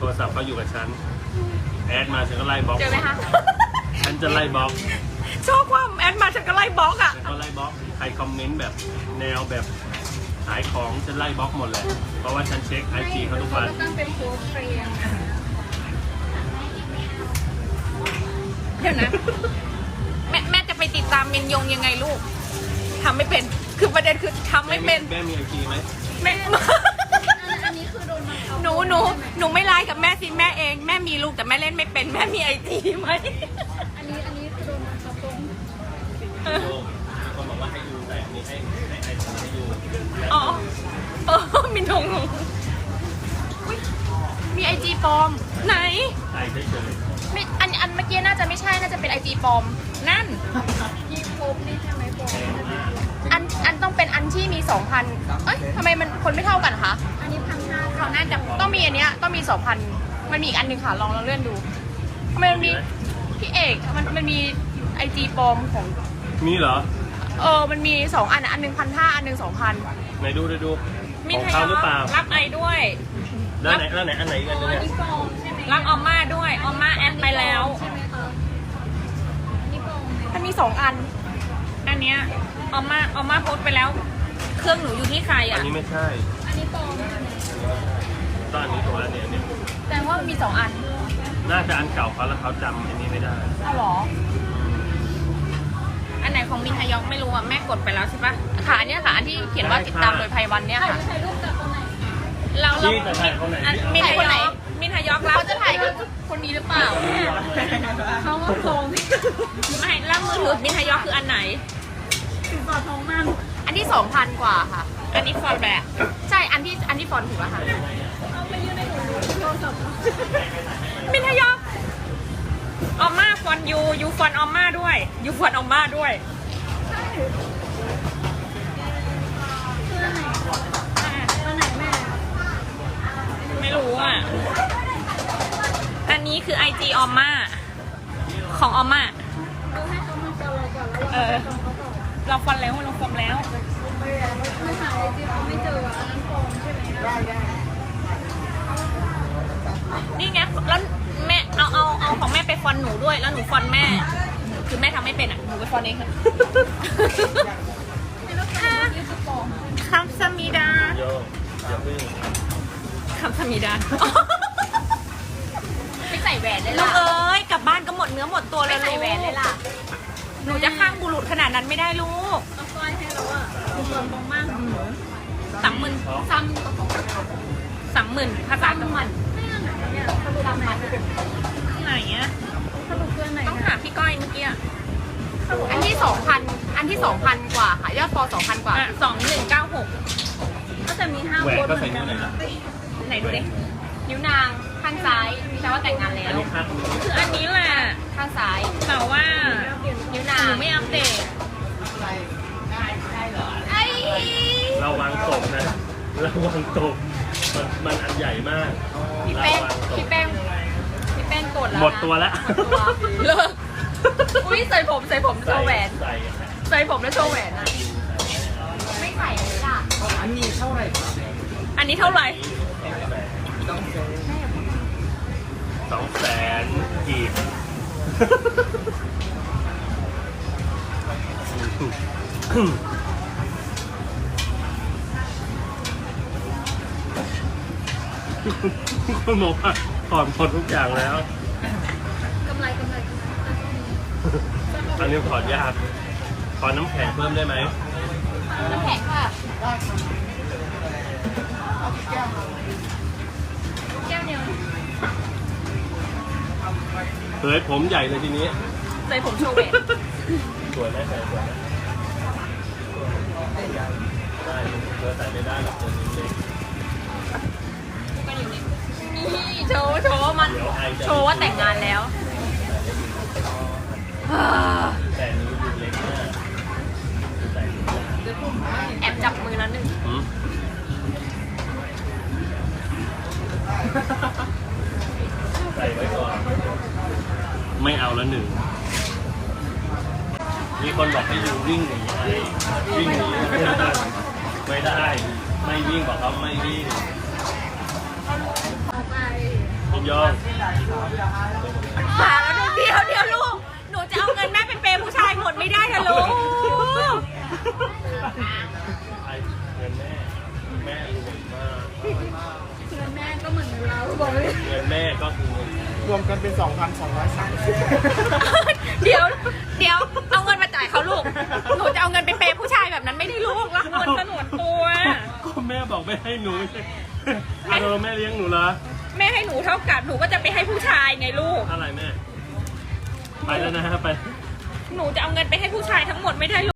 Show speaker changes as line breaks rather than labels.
ทรศัพท์เขาอยู่กับฉันแอดมาฉันก็ไล่บล็อก
เจอไหมคะ
ฉันจะไล่บล็อก
ชอบความแอดมาฉันก็ไล่บล็อกอ่ะ
ฉันก็ไล่บล็อกใครคอมเมนต์แบบแนวแบบขายของฉันไล่บล็อกหมดเลยเพราะว่าฉันเช็คไอจีเขาทุกวัน
ตั้งเป็นโพสต์เฟรม
เดี๋ยวนะ แม่จะไปติดตามเมนยงยังไงลูกทำไม่เป็นคือประเด็นคือทำไม่เป็น
แม่มีไอจีไหม
แม่
อันนี้คือโดนบังคับ
หนูไม่ไลน์กับแม่สิแม่เองแม่มีลูกแต่แม่เล่นไม่เป็นแม่มีไอจีไหม
อันนี้คือโดนบังคับตรง
โยมมีคนบอกว่าให้ยูแต่อันนี้ให้ไอจีให้ยู
อ๋อมีนงอุ๊ยมีไอจีปลอมไหน
ไอเฉย
ไม่อันเมื่อกี้น่าจะไม่ใช่น่าจะเป็นไอจีปลอมนั่น
ที่พบนี่ใช่ไหมโพสต์
อันต้องเป็นอันที่มี 2,000เอ้ยทำไมมันคนไม่เท่ากันคะ
อันนี้1,500
เขาน่าจะต้องมีอันเนี้ยต้องมี 2,000มันมีอีกอันหนึ่งค่ะลองเลื่อนดูทำไมมันมีพี่เอกมันมีไอจีปลอมของ
มีเหรอ
มันมี2อันอันหนึ่ง1,500อันหนึ่ง2,000
ไหนดูดู
มิ
ของ
ทย
เขาหรือเปล่า
รับไอด้วย
แล้วไหนอันไหนอีกอันหนึง
อัน
เนี่ย
นี้ปลอมใช่ไหม
รับออมมาด้วยออมมาแอดไปแล้ว
ใช่ไหมคะนี่ปลอมไหม
มันมี2อันอันเนี้ยออมมาโพสต์ไปแล้ว เครื่องหนูอยู่ที่ใคร
อั
อ่ะ
นนี้ไม่ใช่
อันนี้ปลอมใช่ไหม
ตอนนี้ตัวแล้วเนี่ย
แต่ว่ามันมี2อัน
น่าจะอันเก่าเขาแล้วเขาจำอันนี้ไม่ได้
เอาหรออันไหนของมินทยอกไม่รู้อ่ะแม่กดไปแล้วใช่ปะค่ะอันเนี้ยค่ะอันที่เขียนว่าติดตามโดยไพวันเนี่ยค่ะ
ถ่ายรูปกับคนไหน
เรา
นี่จะถ่ายคนไหน
มินทยอกรับเขาจะถ่ายกับคนนี้หรือเปล่า
เขาว่าปลอม
ไม่แล้วมือถือมินทยอกคืออันไหน
ติดต่อท้องมัน
อันที่ 2,000 กว่าค่ะ อันนี้ฟอนต์แบบใช่อันที่ฟอนต์ถูกแล้วค่ะ
เอาไปยื่นในหนูโทรศัพท์
มินทยอกออมมาฟอนต์ยูฟอนต์ออมมาด้วยยูฟอนต์ออมมาด้วย
คืออันไหนอันไหนแม่
ไม่รู้อ่ะอันนี้คือ IG ออมมาของออมมา
เราให้เขามาฟอลเราก่อนแล้ว
เออ เราฟอนต์แล้วเราฟอนต์แล้ว
มันหาไอจีเขาไม่เจออันนั้นปลอมใช่ไหม
นี่ไงแล้วแม่เอาของแม่ไปฟอนต์หนูด้วยแล้วหนูฟอนต์แม่คือแม่ทำไม่เป็นอ่ะหนูไปฟอนต์เองค่ะ
ไม่รู้ค่ะนี่คือปลอม
คำสมิดา
โยอย่าเพิ่ง
คำสมิดา
ไม่ใส่แหวนเลย
ลู
ล่ะ
กเอ้ยกลับบ้านก็หมดเนื้อหมดตัวเลย
ไม่ใส่แหวนเลยล่ะ
หนูจะข้างบุรุษขนาดนั้นไม่ได้ลูก
เอาสร้อยให้แล้วอ่ะคือปลอมตรงมาก
30,000
ซ้ำ
30,000ภาษาจังหวัด
ไม่อันไหนเนี่ยสรุปอันไหน
ไหนอ่ะ
สรุปคืออันไหน
ต้อง
นะ
ถามพี่ก้อยเมื่อกี้อันที่ 2,000 อันที่ 2,000 กว่าค่ะ ยอดฟอ2,000 กว่า 2196
ก็จะมี5
แหวน
คน
ก็
เหมื
ใส่
อนกั
นิ้วน ไหนล่ะ
ไหนดูดินิ้วนางข้างซ้ายแปลว่าแต่งงานแล้
อัน
ว
นี้ข้างนี้
คืออันนี้แหละ
ข้างซ้าย
แต่ว่า
นิ้ว
ห
นา
นู
ง
ไม่อัปเดต
ไอ้
ระวังตกนะระวังตกมันอันใหญ่มาก
พี่
ระ
แป้ง
วังต
พี่
ก
แป้งพี่แป้งกดแล้วนะ
หมดตัวแล้ว
เลิกอุ้ยใส่ผมโชว์แหวน
ใส่
ใส่ผมแล้วโชว์แหวนอ่ะ ไม่ใส่เลยล่ะ อันนี้เท่าไหร่
200,000 กีบคุณบอกว่าถอนหมดทุกอย่างแล้ว
กำไร
อันนี้ถอดยากขอน้ำแข็งเพิ่มได้ไหม
น้ำแข็งค่ะแก้วเดียว
เฮ้ยผมใหญ่เลยทีนี้
ใส่ผมโชว์แหวน
สวยไหมใส่สวยไหมได้เธอใส่ไม่ได้หรอกตัวนี้เล็ก
ก็อยู่นี่นี่โชว์ว่ามัน
เดี๋ยวไอจะ
โชว์ว่าแต่งงานแล้ว
แต่นี้ดูเล็กมากใส่ไม่ได้
แอบจับมือแล้วหนึ่ง
หืมใส่ไว้ก่อน ไม่เอาแล้วหนึ่ง มีคนบอกให้อยู่วิ่งหนีไอ้วิ่งหนีไม่ได้ ไม่วิ่งบอกเขาไม่วิ่ง
เอาไป
พี่ยอง
มาแล้วลูกเดี๋ยวลูก หนูจะเอาเงินแม่ไปเปย์ผู้ชายหมดไม่ได้นะลูก
ไอ้เงินแม่รวยมาก
เงินแม่ก็เหมือนเงินเราบอกเลย
เงินแม่ก็คือ
รวมกันเป็น 2,230
เดี๋ยวเอาเงินมาจ่ายเขาลูก หนูจะเอาเงินไปเปย์ผู้ชายแบบนั้นไม่ได้ลูกรักเงินสนวนตัว
ก็แม่บอกไม่ให้หนูอาโดแม่เลี้ยงหนูเหรอ
แม่ให้หนูเท่ากับหนูก็จะไปให้ผู้ชายไงลูก
อะไรแม่ ไปแล้วนะฮะไป
หนูจะเอาเงินไปให้ผู้ชายทั้งหมดไม่ได้ลูก